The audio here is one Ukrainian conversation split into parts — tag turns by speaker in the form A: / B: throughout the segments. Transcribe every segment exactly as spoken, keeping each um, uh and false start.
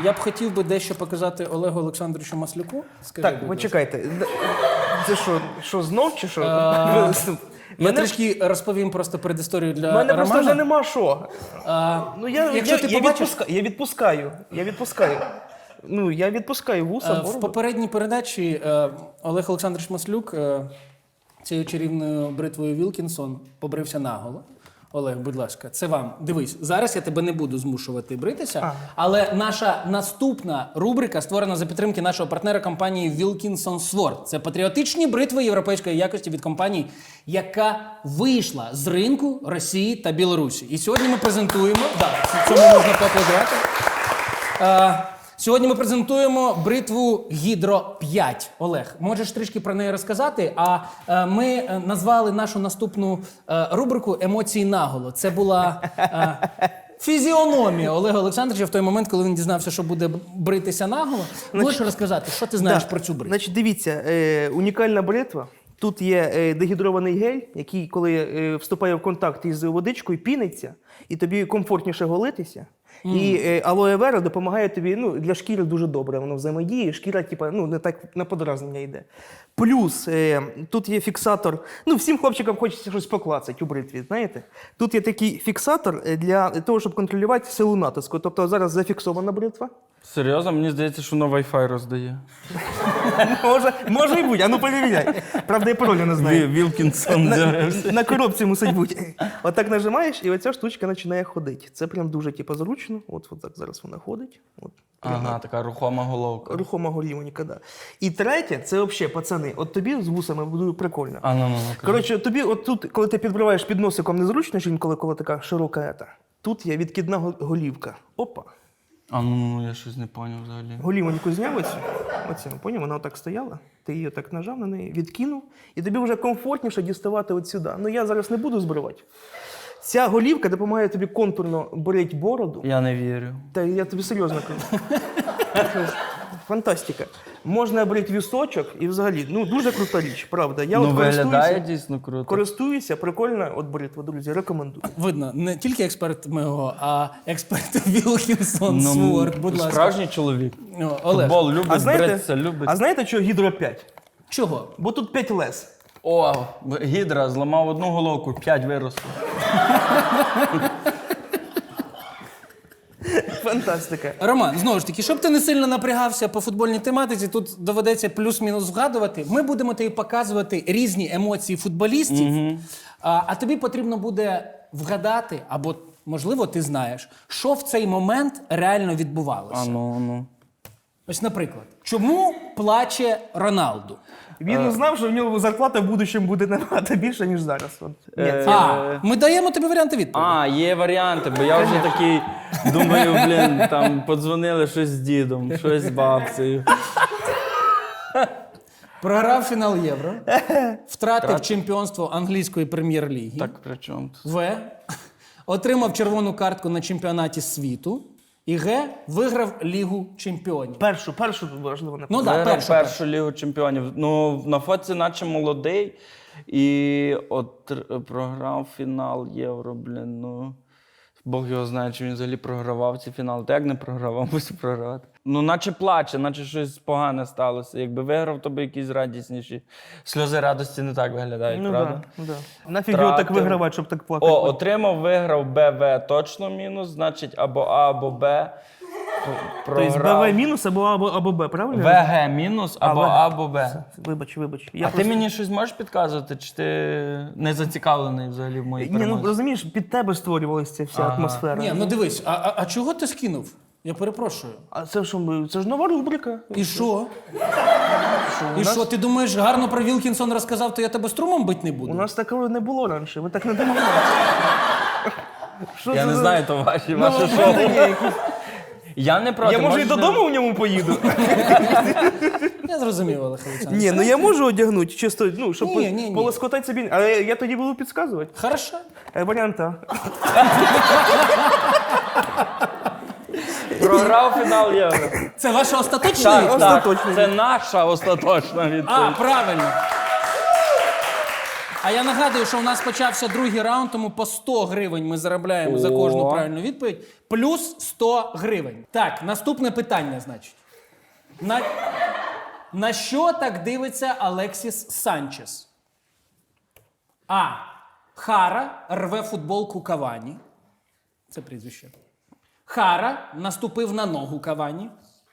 A: я б хотів би дещо показати Олегу Олександровичу Маслюку. Скажи,
B: Так,
A: будь ласка.
B: почекайте. Це що, що знов чи що?
A: А, Я
B: Мене-
A: трішки розповім просто передісторію для
B: У мене просто
A: Романа.
B: вже нема що.
A: А,
B: Ну, я,
A: Якщо
B: я,
A: ти
B: я,
A: побачиш-
B: відпуска, я відпускаю. Я відпускаю. Ну, я відпускаю вуса,
A: Е, В
B: бороду.
A: попередній передачі е, Олег Олександрович Маслюк е, цією чарівною бритвою Вілкінсон побрився наголо. Олег, будь ласка, це вам. Дивись, зараз я тебе не буду змушувати бритися,
B: А.
A: але наша наступна рубрика створена за підтримки нашого партнера компанії Wilkinson Sword. Це патріотичні бритви європейської якості від компанії, яка вийшла з ринку Росії та Білорусі. І сьогодні ми презентуємо, да, цьому можна поаплодувати. Е, Сьогодні ми презентуємо бритву Гідро п'ять. Олег, можеш трішки про неї розказати? А е, ми е, назвали нашу наступну е, рубрику «Емоції наголо». Це була е, фізіономія Олега Олександровича в той момент, коли він дізнався, що буде бритися наголо. Можеш розказати, що ти знаєш
B: Да.
A: про цю бритву?
B: Значить, дивіться, е, унікальна бритва. Тут є е, дегідрований гель, який, коли е, вступає в контакт із водичкою, піниться, і тобі комфортніше голитися. Mm. І е, алоє вера допомагає тобі, ну, для шкіри дуже добре, воно взаємодіє, шкіра, типа, ну, не так на подразнення йде. Плюс е, тут є фіксатор, ну, всім хлопчикам хочеться щось поклацати у бритві, знаєте? Тут є такий фіксатор для того, щоб контролювати силу натиску. Тобто зараз зафіксована бритва.
C: Серйозно? Мені здається, що на Wi-Fi роздає.
B: Може, може і бути, а ну перевіряй. Правда, я паролю не знаю.
C: Вілкінсон
B: На,
C: з'явився.
B: на коробці мусить бути. Отак нажимаєш, і оця штучка починає ходити. Це прям дуже типу, зручно. От, от так зараз вона ходить. От, прям
C: Ага, така рухома головка.
B: рухома голівонька, да. І третє, це взагалі, пацани, от тобі з вусами буде прикольно.
C: А ну, ну, ну.
B: Коротше, тобі от тут, коли ти підбриваєш під носиком незручно, що інколи коли така широка ета, тут є відкидна го- голівка. Опа.
C: А ну, ну, я щось не поняв взагалі.
B: Голівоньку зняв оцю, оцю, поняв, вона отак стояла, ти її так нажав на неї, відкинув, і тобі вже комфортніше діставати от сюди. Ну я зараз не буду збривати. Ця голівка допомагає тобі контурно брити бороду.
C: Я не вірю.
B: Та я тобі серйозно кажу. Фантастика. Можна брити вісочок і взагалі, ну дуже крута річ, правда. Я
C: Ну,
B: от
C: виглядає
B: користуюся,
C: дійсно круто.
B: користуюся, прикольна от бритва, друзі, рекомендую.
A: Видно, не тільки експерт мого, а експерт Вілкінсон
C: Ну,
A: Sword. Будь ласка.
C: Справжній чоловік.
A: О, Олег,
C: Футбол любить,
B: А знаєте,
C: бритися любить.
B: а знаєте, що гідро п'ять?
A: чого?
B: Бо тут п'ять лез.
C: О, гідра зламав одну головку, п'ять виросло.
B: Фантастика.
A: Роман, знову ж таки, щоб ти не сильно напрягався по футбольній тематиці, тут доведеться плюс-мінус згадувати. Ми будемо тобі показувати різні емоції футболістів, а, а тобі потрібно буде вгадати, або, можливо, ти знаєш, що в цей момент реально відбувалося.
C: А ну, ну.
A: Ось, наприклад, чому плаче Роналду?
B: Він знав, що в нього зарплата в будущому буде набагато більше, ніж зараз. От. Ні,
C: Е,
B: це-
A: А, ми даємо тобі варіанти відповіді.
C: А, є варіанти, бо я вже такий думаю, блін, там подзвонили щось з дідом, щось з бабцею.
A: Програв фінал Євро, втратив чемпіонство англійської прем'єр-ліги.
C: Так при чому тут?
A: В. Отримав червону картку на чемпіонаті світу. І Г. Виграв Лігу чемпіонів.
B: Першу, першу важливо не
A: Ну так, да,
C: Виграв
A: першу.
C: першу лігу чемпіонів. Ну, на фоці наче молодий. І от р- програв фінал Євро, блін, ну. Бог його знає, чи він взагалі програвав ці фінали. Та як не програвав, мусив програвати. Ну, наче плаче, наче щось погане сталося. Якби виграв, то би якісь радісніші. Сльози радості не так виглядають,
B: Ну
C: правда?
B: да, да. Нафіг його так
C: Втратив.
B: вигравати, щоб так плакати.
C: О, отримав, виграв Б В точно мінус, значить або А, або Б.
B: Тобто
C: Програв.
B: БВ мінус або, або, або Б, правильно?
C: В Г мінус або
B: А, В.
C: А, або Б.
B: Вибач, вибач. Я
C: А
B: просто...
C: ти мені щось можеш підказувати, чи ти не зацікавлений взагалі в моїй
B: Ні, ну
C: перемозі?
B: розумієш, під тебе створювалася ця вся
C: Ага.
B: атмосфера.
A: Ні, ну дивись, а, а, а чого ти скинув? Я перепрошую.
B: А це що, ми- це ж нова рубрика.
A: І що? І
B: нас-
A: що, ти думаєш, гарно про Вілкінсон розказав, то я тебе струмом бить не буду?
B: У нас такого не було раніше, ви так не думали. Що
C: Я
B: це
C: не
B: за-
C: знаю, то ваші,
B: Ну,
C: ваше
B: в
C: шоу.
B: мене є якісь-
C: Я не проти.
B: Я може і
C: можеш
B: додому в ньому поїду.
A: Я зрозумів, Олег Олександрович.
B: Ні, ну я можу одягнути, чисто, ну, щоб
A: Ні, ні, ні.
B: полоскотати собі. Але я, я тоді буду підказувати.
A: Хорошо.
B: Е, Варіант А.
C: Програв фінал Євро.
A: Це ваша остаточна
C: Так,
A: відповідь?
C: так,
B: Остаточна
C: це наша остаточна
A: А,
C: відповідь.
A: правильно. А я нагадую, що у нас почався другий раунд, тому по сто гривень ми заробляємо за кожну
C: О.
A: правильну відповідь. Плюс сто гривень. Так, наступне питання, значить. На, на що так дивиться Алексіс Санчес? А. Хара рве футболку Кавані. Це прізвище. Хара наступив на ногу Кавані.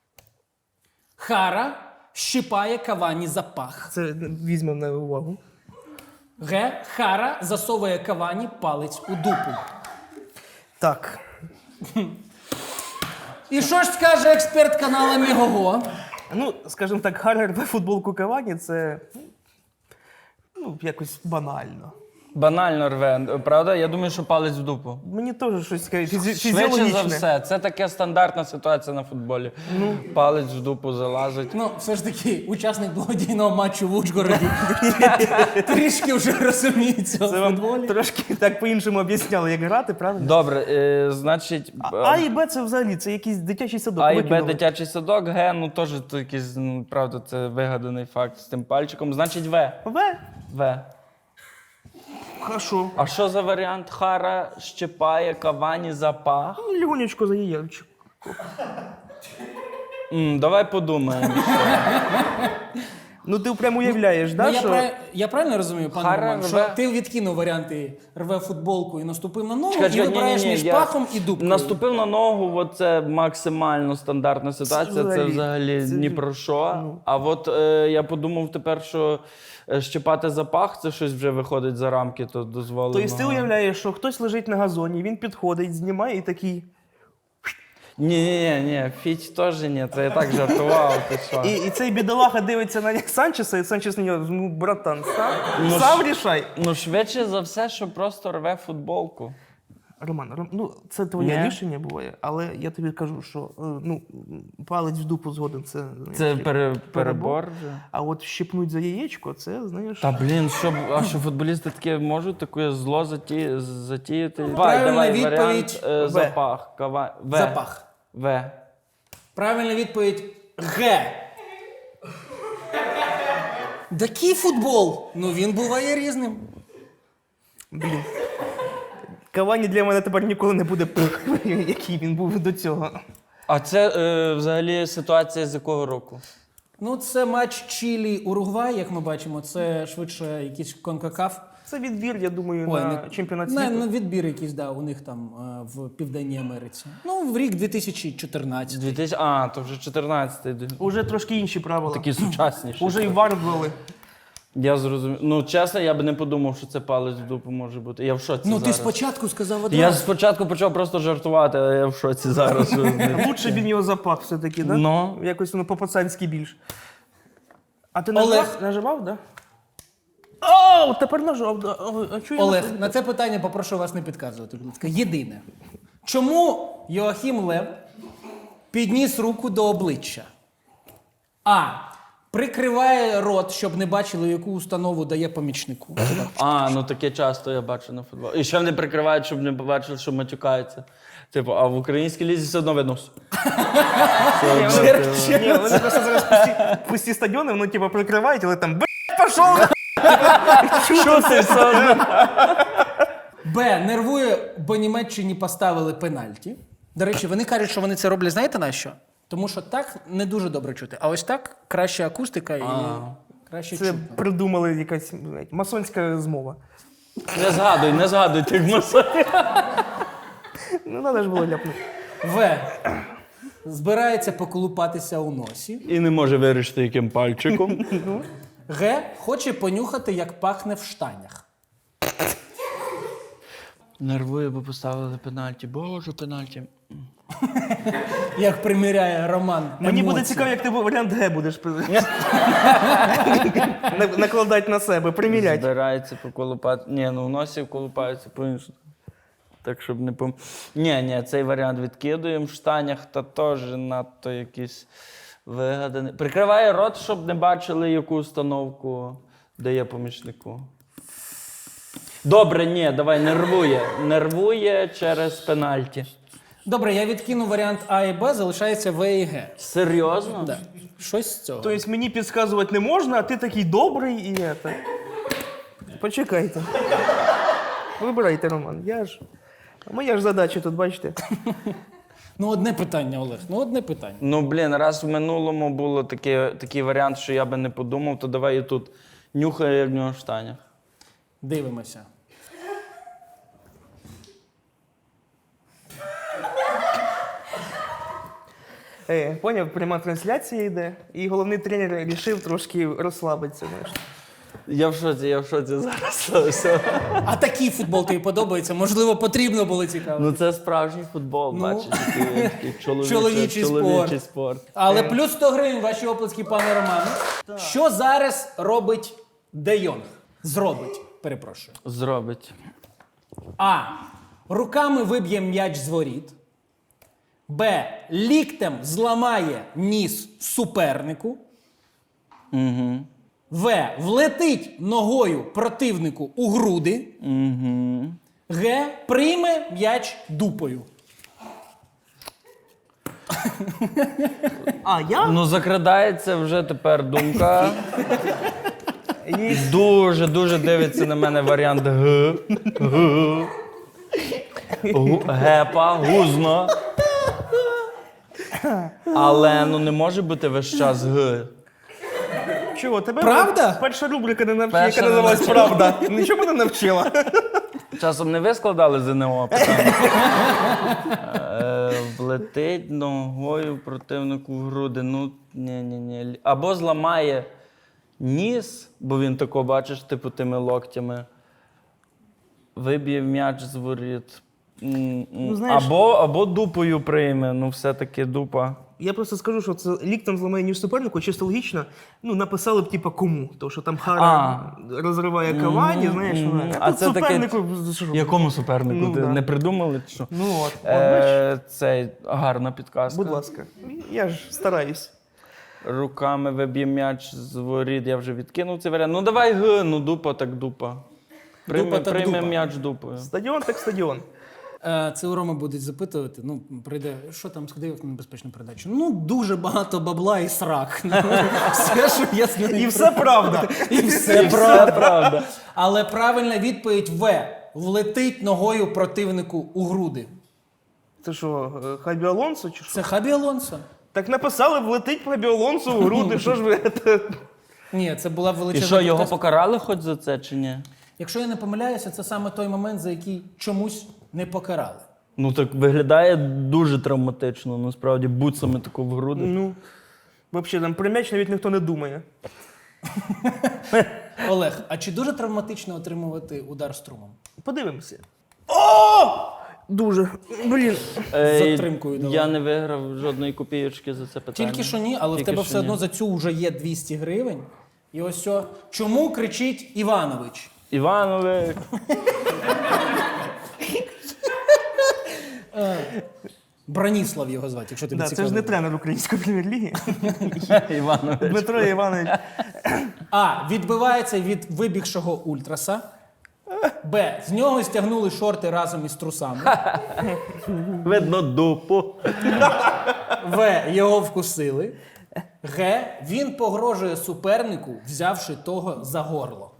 A: Хара щипає Кавані за пах.
B: Це візьмемо на увагу.
A: Г. Хара засовує Кавані палець у дупу.
B: Так.
A: І що ж скаже експерт каналу Мігого?
B: Ну, скажімо так, Хара рве футболку Кавані це ну, якось банально.
C: Банально рве, правда? Я думаю, що палець в дупу.
B: Мені теж щось таке фізі-
C: Швидше
B: фізіологічне.
C: за все, це таке стандартна ситуація на футболі. Палець в дупу залазить.
A: Ну, все ж таки, учасник благодійного матчу в Ужгороді трішки вже розуміється у
B: Це вам
A: футболі.
B: трошки так по-іншому об'ясняли, як грати, правильно?
C: Добре, е, значить,
B: А, а і Б це взагалі, це якийсь дитячий садок.
C: А і Б
B: викинули.
C: дитячий садок, Г, ну теж то якийсь, ну, правда, це вигаданий факт з тим пальчиком. Значить, В.
B: В?
C: В.
B: Хорошо.
C: А що за варіант? Хара щипає Кавані за пах?
B: Ну, легонечко за яєчко.
C: М, давай подумаємо.
B: Ну ти прям уявляєш, да,
A: Ну, я,
B: що...
A: прав... я правильно розумію, пане
C: Хара
A: Роман, що
C: рве-
A: ти відкинув варіанти рве футболку і наступив на ногу,
C: Чекай,
A: і
C: чекай,
A: вибираєш
C: ні-ні-ні,
A: між
C: я
A: пахом і дупкою.
C: Наступив на ногу, от це максимально стандартна ситуація, це
B: взагалі-
C: взагалі
B: це-
C: ні про що. А от е, я подумав тепер, що е, щипати запах, це щось вже виходить за рамки, то дозволено.
B: Тобто ти уявляєш, що хтось лежить на газоні, він підходить, знімає і такий...
C: Ні, ні, ні, Фіч теж ні, це я так жартував, ти що.
B: І, і цей бідолаха дивиться на Санчеса, і Санчес на нього, ну, братан, сам,
C: Ну,
B: сам
C: ж-
B: рішай.
C: Ну, швидше за все, що просто рве футболку.
B: Роман, Ром, ну це твоє
C: Ні.
B: рішення буває, але я тобі кажу, що е, ну, палець в дупу згоден, це...
C: Це
B: знаєш,
C: пере, перебор вже.
B: А от щипнуть за яєчко, це, знаєш...
C: Та блін, що, б- а що футболісти таке можуть таке зло заті, затіяти? Давай,
A: правильна
C: давай,
A: відповідь
C: варіант е,
B: В.
C: запах. Кава... В.
A: Запах.
C: В.
A: Правильна відповідь Г. Такий футбол. Ну він буває різним.
B: Блін. Кавані для мене тепер ніколи не буде, який він був до цього.
C: А це е, взагалі ситуація з якого року?
A: Ну, це матч Чилі-Уругвай, як ми бачимо. Це швидше якийсь конкакаф.
B: Це відбір, я думаю,
A: Ой,
B: на
A: не-
B: чемпіонат
A: на,
B: світу.
A: на відбір якийсь, да, у них там е, в Південній Америці. Ну, в рік дві тисячі чотирнадцятий.
C: дві тисячі... А, то вже чотирнадцятий.
B: Уже трошки інші правила.
C: Такі сучасніші.
B: Уже і вар ввели.
C: Я зрозумів. Ну, чесно, я б не подумав, що це палець в дупу може бути. Я в шоці
A: Ну, ти
C: зараз.
A: спочатку сказав
C: Я
A: одразу.
C: спочатку почав просто жартувати, а я в шоці зараз.
B: Лучше б він його запах все-таки, да?
C: Ну.
B: Якось воно по-пацанськи більш. А ти
A: Олег.
B: нажав, наживав, да? О, тепер нажав, да. О, а чого я
A: Олег,
B: не-
A: на це питання попрошу вас не підказувати, будь ласка. Єдине. Чому Йоахім Лев підніс руку до обличчя? А. Прикриває рот, щоб не бачили, яку установу дає помічнику.
C: А, ну таке часто я бачу на футболі. І ще вони прикривають, щоб не побачили, що матюкаються. Типу, а в українській лізі все одно видно.
B: Ні, вони, ні, вони просто зараз пусті, пусті стадіони, вони типу прикривають, але там блядь, пішов!
C: Що це все одно?
A: Б. Нервує, бо Німеччині поставили пенальті. До речі, вони кажуть, що вони це роблять, знаєте на що? Тому що так не дуже добре чути. А ось так краща акустика і краще
B: Це
A: чутно.
B: придумали якась блядь, масонська змова.
C: Не згадуй, не згадуй тих масонів.
B: Ну, треба ж було ляпнути.
A: В. Збирається поколупатися у носі.
C: І не може вирішити, яким пальчиком.
A: Г. Хоче понюхати, як пахне в штанях.
C: Нервує, бо поставили пенальті. Боже, пенальті.
A: Як приміряє Роман.
B: Мені буде
A: емоції.
B: цікаво, як ти варіант Г будеш на- накладати на себе, приміряти.
C: Збирається поколупати. Ні, ну в носі колупаються по-іншому. Так, щоб не пом... Ні, ні, цей варіант відкидуємо в штанях, та теж надто якийсь вигаданий. Прикриває рот, щоб не бачили, яку установку дає помічнику. Добре, ні, давай, нервує. Нервує через пенальті.
A: Добре, я відкину варіант А і Б, залишається В і Г.
C: Серйозно?
A: Да. Щось з цього.
B: Тобто мені підказувати не можна, а ти такий добрий і це. Почекайте. Вибирайте, Роман. Я ж... Моя ж задача тут, бачите.
A: Ну, одне питання, Олег. Ну, одне питання.
C: Ну, блін, раз в минулому було таке, такий варіант, що я би не подумав, то давай і тут нюхаю, як в нього в штанях.
A: Дивимося.
B: Е, поняв, пряма трансляція йде, і головний тренер вирішив трошки розслабитися. Знаєш.
C: Я в шоці, я в шоці зараз. Все.
A: А такий футбол тобі подобається? Можливо, потрібно було цікаво.
C: Ну це справжній футбол,
A: Ну.
C: бачиш, такий, такий чоловічий,
A: Чоловічий
C: чоловічий
A: спорт.
C: спорт.
A: Але плюс сто гривень ваші оплески, пане Романе. Що зараз робить Де Йонг? Зробить, перепрошую.
C: Зробить.
A: А. Руками виб'є м'яч з воріт. Б. Ліктем зламає ніс супернику.
C: Угу.
A: В. Влетить ногою противнику у груди.
C: Угу.
A: Г. Прийме м'яч дупою.
B: А, я?
C: Ну закрадається вже тепер думка.
B: Є.
C: Дуже, дуже дивиться на мене варіант Г. Г. Гу- Гепа, гузно. Але ну не може бути весь час Г.
B: Чого, тебе
A: Правда?
B: перша рубрика не навчила,
C: Перша
B: яка
C: не
B: називалась
C: навчила.
B: «Правда». Нічого мене навчила.
C: Часом не ви складали ЗНО питання? Е, Влетить ногою противнику в груди. Ну, ні-ні-ні. Або зламає ніс, бо він тако, бачиш, типу тими локтями. Виб'є м'яч з воріт. М-м.
B: Ну, знаєш-
C: Або, або дупою прийме, ну все-таки дупа.
B: Я просто скажу, що це ліктем зламає ніж супернику, чисто логічно, ну, написали б, типа, кому. Тому що там Хара
C: А.
B: розриває Кавані, знаєш,
C: мгм.
B: вона.
C: А
B: А тут
C: це таке-
B: супернику... що?
C: Якому супернику?
B: Ну,
C: Ти
B: да.
C: не придумали? чи Що?
B: Ну от, от бачиш,
C: Е, цей, гарна підказка.
B: будь ласка. Я ж стараюсь.
C: Руками виб'є м'яч з воріт, я вже відкинув цей варіант. Ну давай Г, ну дупа так дупа. Прийме,
A: Дупа так
C: прийме
A: дупа.
C: м'яч дупою.
B: Стадіон так стадіон.
A: Е, Це у Роми будуть запитувати. Ну, прийде, що там сходив на небезпечну передачу? Ну, дуже багато бабла і срак. Ну, все, що я знаю.
B: І все правда.
A: І все
C: Це
A: правда.
C: правда.
A: Але правильна відповідь В. Влетить ногою противнику у груди.
B: Це що, е, Хабі Алонсо чи що?
A: Це Хабі Алонсо.
B: Так написали, влетить Хабі Алонсо у груди, що ж ви... це?
A: Ні, це була
C: І
A: величезна
C: що, його
A: підказка.
C: покарали хоч за це чи ні?
A: Якщо я не помиляюся, це саме той момент, за який чомусь не покарали.
C: Ну так виглядає дуже травматично, насправді, буцами таку в груди.
B: Ну, взагалі, там про м'яч навіть ніхто не думає.
A: Олег, а чи дуже травматично отримувати удар струмом?
B: Подивимося. О! Дуже. Блін.
C: Ей,
A: затримкою давай.
C: я не виграв жодної копійочки за це питання.
A: Тільки що ні, але
C: Тільки
A: в тебе
C: що
A: все одно
C: ні.
A: за цю вже є двісті гривень. І ось що. Чому кричить Іванович?
C: Іванович.
A: Браніслав його звати, якщо тобі
B: Да, це
A: цікаво.
B: ж не тренер української прем'єр-ліги.
C: Іванович.
B: Дмитро Іванович.
A: А. Відбивається від вибігшого ультраса. Б. З нього стягнули шорти разом із трусами.
C: Видно дупу.
A: В. Його вкусили. Г. Він погрожує супернику, взявши того за горло.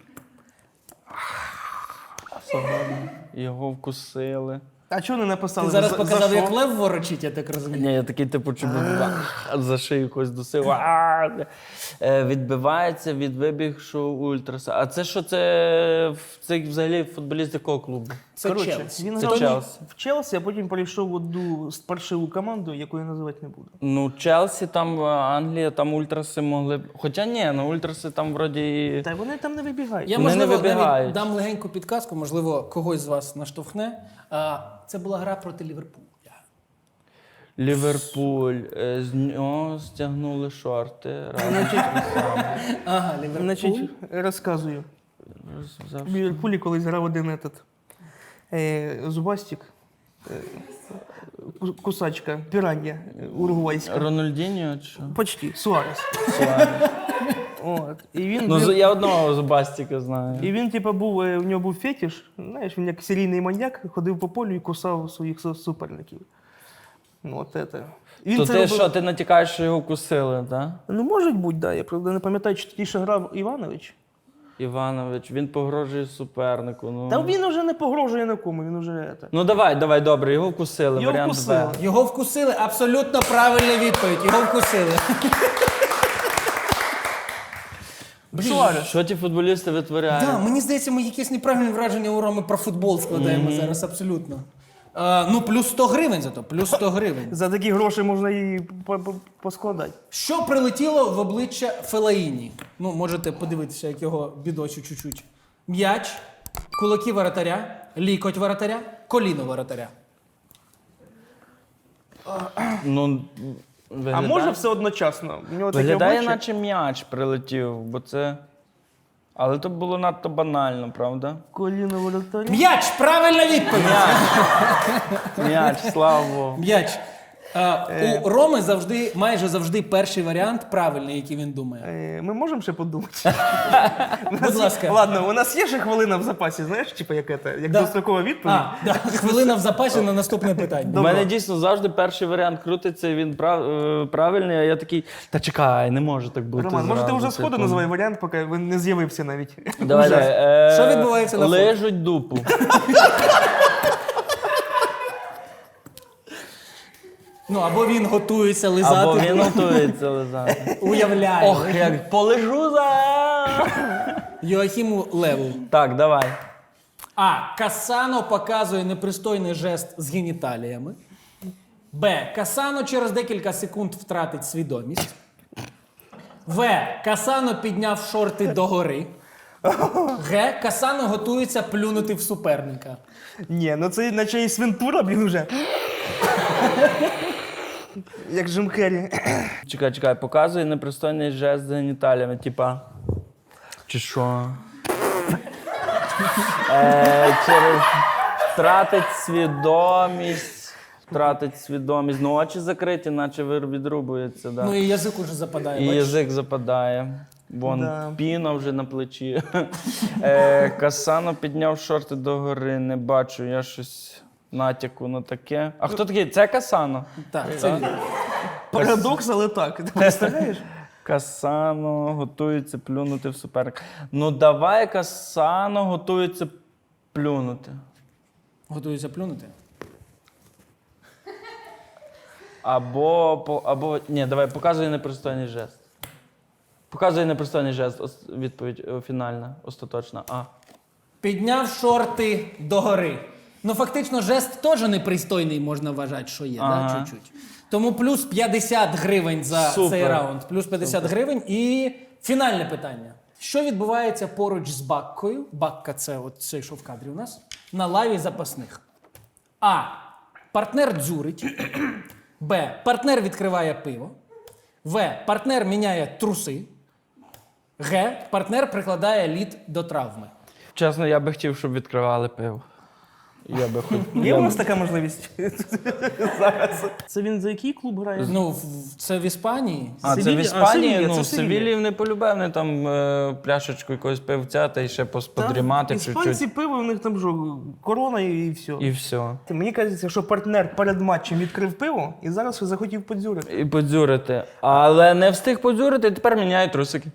C: Його вкусили.
B: А чого не написали?
A: Ти зараз
B: за-
A: показав,
B: за що?
A: як лев ворочить, я так розумію.
C: Ні, я такий, типу, чи за шию когось досив. А, е, Відбивається від вибігшого ультраса. А це що, це, це взагалі футболіст якого клубу?
A: Це
B: Коротше,
A: Челсі.
B: він
C: Це
B: грав
C: Челсі.
B: в Челсі, а потім перейшов в одну паршиву команду, яку я називати не буду.
C: Ну, Челсі, там е, Англія, там ультраси могли б. Хоча ні, ну ультраси там вроді. і-
B: Та вони там не вибігають.
A: Я,
C: Вони не
A: можливо, навіть
C: вибігають.
A: дам легеньку підказку, можливо, когось з вас наштовхне. А, це була гра проти Ліверпуля.
C: Ліверпуль. е, З нього стягнули шорти. разом з трусами.
A: Ага, Ліверпуль.
B: Значить, розказую.
C: Взяв-
B: В Ліверпулі колись грав один этот, е, зубастик, е, ку- кусачка, піран'я е, уругвайська.
C: Рональдіньо чи що?
B: Почти, Суарес. От. І він,
C: Ну,
B: він-
C: з- я одного Зубастіка знаю.
B: і він, типу, був, е, в нього був фетиш, знаєш, він як серійний маньяк, ходив по полю і кусав своїх су- суперників. Ну, от це. Він
C: То
B: це
C: ти
B: робив-
C: що, ти натякаєш, що його кусили, так?
B: Ну, може бути, да. Я правда не пам'ятаю, чи тоді ще грав Іванович.
C: Іванович, він погрожує супернику. Ну,
B: Та він уже не погрожує нікому, він уже... це.
C: ну давай, давай, добре, його вкусили.
B: Його
C: варіант
B: вкусили.
C: Б.
A: Його вкусили, абсолютно правильна відповідь. Його вкусили.
B: Суарес.
C: Що ті футболісти витворяють?
A: Да, мені здається, ми якесь неправильне враження у Роми про футбол складаємо зараз, абсолютно. А, ну, плюс сто гривень зато, плюс сто гривень.
B: За такі гроші можна і по- по- поскладати.
A: Що прилетіло в обличчя Фелаїні? Ну, можете подивитися, як його бідочу чуть-чуть. М'яч, кулаки воротаря, лікоть воротаря, коліно воротаря.
C: Ну,
B: А
C: виглядає,
B: може все одночасно? У нього таке
C: виглядає,
B: обличчя.
C: наче м'яч прилетів, бо це... Але то було надто банально, правда?
B: Коліно воротаря.
A: М'яч! Правильна відповідь!
C: М'яч, слава Богу.
A: М'яч. А, у Роми завжди, майже завжди перший варіант правильний, який він думає.
B: Е, Ми можемо ще подумати? У нас
A: Будь
B: є-
A: ласка.
B: Ладно, у нас є ще хвилина в запасі, знаєш, типу, як, це, як
A: Да.
B: дострокова відповідь.
A: А, да, хвилина в запасі на наступне питання.
C: У
B: Добре.
C: мене дійсно завжди перший варіант крутиться, і він прав, е, правильний, а я такий, та чекай, не може так бути.
B: Роман, може ти
C: зразу,
B: вже сходу
C: типу.
B: називай варіант, поки він не з'явився навіть.
C: Давай,
B: Уже.
C: давай. Е,
A: Що відбувається на фото?
C: Лижуть дупу.
A: Ну, або він готується лизати.
C: Або він готується лизати.
A: Уявляє.
C: Ох, як полежу за.
A: Йоахіму Леву.
C: Так, давай.
A: А. Касано показує непристойний жест з геніталіями. Б. Касано через декілька секунд втратить свідомість. В. Касано підняв шорти догори. Г. Касано готується плюнути в суперника.
B: Ні, ну це наче і свинтура, блін, уже. Як Джим Керрі.
C: Чекай, чекай, показує непристойний жест з геніталіями, типа. Чи що? е, через втратить свідомість. Втратить свідомість. Ну, очі закриті, наче вир- відрубується. Да.
A: Ну і язик уже западає.
C: І
A: бачиш?
C: язик западає. Вон
B: Да.
C: піна вже на плечі. е, Касано підняв шорти догори, не бачу, я щось натяку на таке. А хто такий? Це Касано?
A: Так, це він.
B: Парадокс, але так. Ти представляєш?
C: Касано готується плюнути в суперника. Ну давай Касано готується плюнути.
A: Готується плюнути.
C: Або, по- або ні, давай, показує непристойний жест. Показує непристойний жест, ос- відповідь е, фінальна, остаточна. А.
A: Підняв шорти догори. Ну, фактично, жест теж непристойний, можна вважати, що є,
C: Ага.
A: да, чуть-чуть. Тому плюс п'ятдесят гривень за
C: Супер.
A: цей раунд. Плюс п'ятдесят гривень. І фінальне питання. Що відбувається поруч з Баккою? Бакка – це от цей, що в кадрі у нас. На лаві запасних. А. Партнер дзюрить. Б. Партнер відкриває пиво. В. Партнер міняє труси. Г. Партнер прикладає лід до травми.
C: Чесно, я би хотів, щоб відкривали пиво. Я би хотів.
B: Є у нас така можливість зараз. Це він за який клуб грає?
A: Ну, в- це в Іспанії.
C: А, це в
B: Севілля? А,
C: Іспанії?
B: Севілля,
C: Ну,
B: це
C: в
B: Севілля.
C: Севілії не полюбив, вони там е, пляшечку якогось пивця та й ще пос- подрімати
B: Іспанці
C: чуть-чуть.
B: пиво, у них там що, корона і, і все.
C: І все.
B: Мені кажеться, що партнер перед матчем відкрив пиво і зараз захотів подзюрити.
C: І подзюрити. Але не встиг подзюрити, і тепер міняє трусики.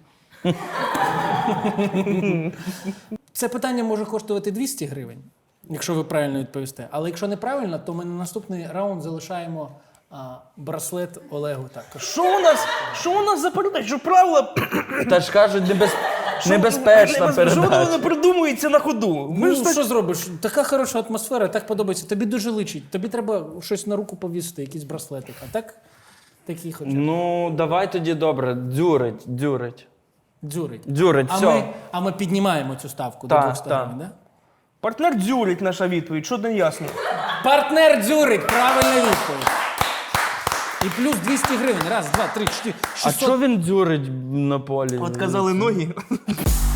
A: Це питання може коштувати двісті гривень, якщо ви правильно відповісте. Але якщо неправильно, то ми на наступний раунд залишаємо а, браслет Олегу також.
B: Що у нас? Що у нас за передача? Що правила?
C: Та ж кажуть, небез... небезпечна
B: Небез- Що воно
C: передача.
B: не придумується на ходу? Ми
A: Ну,
B: ж так...
A: що зробиш? Така хороша атмосфера, так подобається. Тобі дуже личить. Тобі треба щось на руку повісити, якийсь браслетик. А так, такий хоча б.
C: Ну, давай тоді добре. Дзюрить, дзюрить.
A: Дзюрить.
C: Дзюрить,
A: А
C: все.
A: ми, а ми піднімаємо цю ставку
C: Так,
A: до двохсот
C: так.
A: гривень, да?
B: Партнер дзюрить наша відповідь, що не ясно.
A: Партнер дзюрить, правильна відповідь. І плюс двісті гривень. Раз, два, три, чотири,
C: А
A: шістсот.
C: чого він дзюрить на полі?
B: От казали ноги.